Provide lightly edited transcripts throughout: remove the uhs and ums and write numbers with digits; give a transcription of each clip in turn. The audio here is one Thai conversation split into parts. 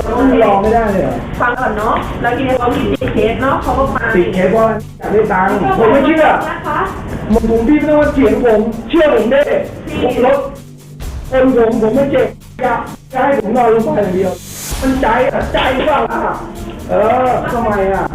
รอไม่ได้เลยเหรอฟังก่อนเนาะแล้วทีนี้เขามีติดเคสเนาะเขาก็มาติดเคสว่าอยากได้ตังค์ผมไม่เชื่อนะคะผมพี่ไม่ต้องมาเถียงผมเชื่อผมได้ผมรถผมไม่เจ็บจะให้ผมนอนลงไปอย่างเดียวมันใจเปล่าล่ะทำไม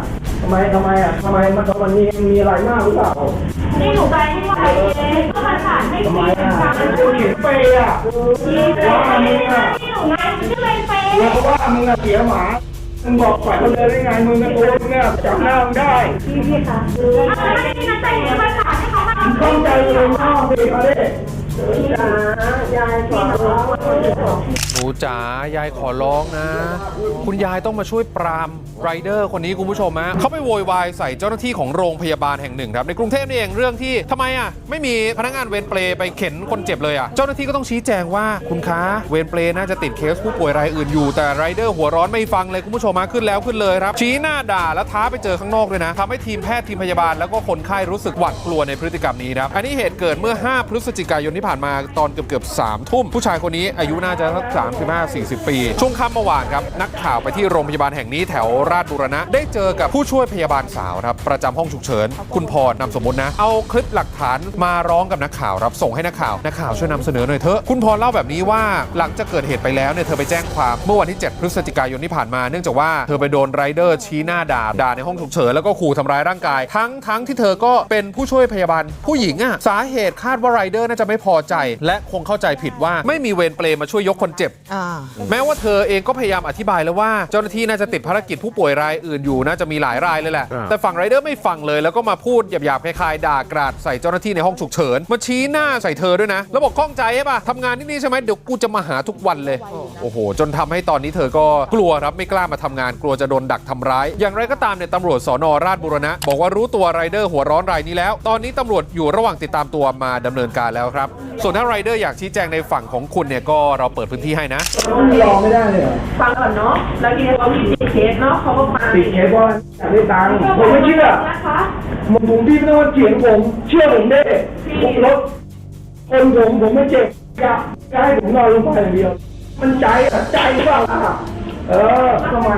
มันมีอะไรมากหรือเปล่านี่หนูไปให้ไหวก็มาถามให้ทำไมเขียนเปย์ว่ามึงนี่หนูไงมันชื่อเป็นเปย์แล้วก็ว่ามึงเสียหมามึงบอกฝ่ายเขาเลยได้ไงมึงตัวมึงจำหน้ามึงได้พี่คะไม่ได้นั่นใจเนี่ยมาถามให้เขามาเข้าใจเลยพ่อพี่เขาได้จ๋ายายขอร้องหนูจ๋ายายขอร้องนะ คุณยายต้องมาช่วยปรามไรเดอร์คนนี้คุณผู้ชมฮะเขาไปโวยวายใส่เจ้าหน้าที่ของโรงพยาบาลแห่งหนึ่งครับในกรุงเทพนี่เองเรื่องที่ทำไมไม่มีพนักงานเวรเปรย์ไปเข็นคนเจ็บเลยเจ้าหน้าที่ก็ต้องชี้แจงว่าคุณคะเวรเปรย์น่าจะติดเคสผู้ป่วยรายอื่นอยู่แต่ไรเดอร์หัวร้อนไม่ฟังเลยคุณผู้ชมขึ้นแล้วขึ้นเลยครับชี้หน้าด่าแล้วท้าไปเจอข้างนอกด้วยนะทำให้ทีมแพทย์ทีมพยาบาลแล้วก็คนไข้รู้สึกหวาดกลัวในพฤติกรรมนี้ครับอันนี้เหตุเกิดเมื่อ5พฤศจิกายนที่ผ่านมาตอนเกือบ3 ทุ่มผู้ชายคนนี้อายุน่าจะสัก35-40 ปีช่วงค่ำเมื่อวานครับนักข่าวไปที่โรงพยาบาลแห่งนี้แถวราชบูรณะได้เจอกับผู้ช่วยพยาบาลสาวครับประจำห้องฉุกเฉินคุณพรนามสมมุตินะเอาคลิปหลักฐานมาร้องกับนักข่าวครับส่งให้นักข่าวช่วยนำเสนอหน่อยเถอะคุณพรเล่าแบบนี้ว่าหลังจากเกิดเหตุไปแล้วเนี่ยเธอไปแจ้งความเมื่อวันที่7พฤศจิกายนที่ผ่านมาเนื่องจากว่าเธอไปโดนไรเดอร์ชี้หน้าด่าในห้องฉุกเฉินแล้วก็ขู่ทำร้ายร่างกายทั้งที่เธอก็เป็นผู้ช่วยพยาบาลผู้หญิงสาเหตุคาดว่าไรเดอร์น่าจะไม่พอใจและคงเข้าใจผิดว่าไม่มีเวรเปรย์มาช่วยยกคนเจ็บแม้ว่าเธอเองก็พยายามอธิบายแล้วว่าเจ้าหน้าที่น่าจะติดภารกิจผู้ป่วยรายอื่นอยู่น่าจะมีหลายรายเลยแหละแต่ฝั่งไรเดอร์ไม่ฟังเลยแล้วก็มาพูดหยาบๆคล้ายๆด่ากราดใส่เจ้าหน้าที่ในห้องฉุกเฉินมาชี้หน้าใส่เธอด้วยนะแล้วบอกข้องใจใช่ป่ะทำงานที่นี่ใช่ไหมเดี๋ยวกูจะมาหาทุกวันเลยโอ้โหจนทำให้ตอนนี้เธอก็กลัวครับไม่กล้ามาทำงานกลัวจะโดนดักทำร้ายอย่างไรก็ตามเนี่ยตำรวจสน.ราชบูรณะบอกว่ารู้ตัวไรเดอร์หัวร้อนรายนี้แล้วตอนนี้ตำรวจอยู่ระหว่างติดตามตัวมาดำเนินการแล้วครับส่วนถ้าไรเดอร์อยากชี้แจงในฝั่งของคุณเนี่ยก็เราเปิดพื้นที่ให้นะรอไม่ได้เลยฟังก่อนเนาะแล้วทีนี้เขามีติดเคสเนาะเขาก็มาติดเคสว่าอยากได้ตังค์ผมไม่เชื่อนะคะผมพี่ไม่ต้องมาเถียงผมเชื่อผมได้ผมรถผมไม่เจ็บจะให้ผมนอนลงไปอย่างเดียวมันใจเปล่าล่ะทำไม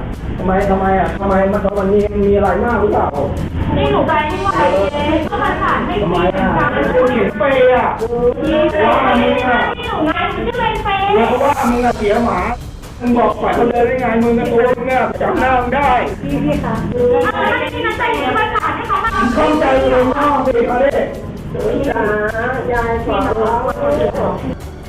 มันมีอะไรมากหรือเปล่านี่หนูไปให้ไหวก็มาถามให้ทำไมเขียนเปย์ว่ามึงนี่หนูไงมันชื่อเป็นเปย์แล้วก็ว่ามึงเสียหมามึงบอกฝ่ายเขาเลยได้ไงมึงตัวมึงจำหน้ามึงได้พี่คะไม่ได้นั่นใจเนี่ยมาถามให้เขามาเข้าใจเลยพ่อพี่เขาได้จ๋ายายขอร้อง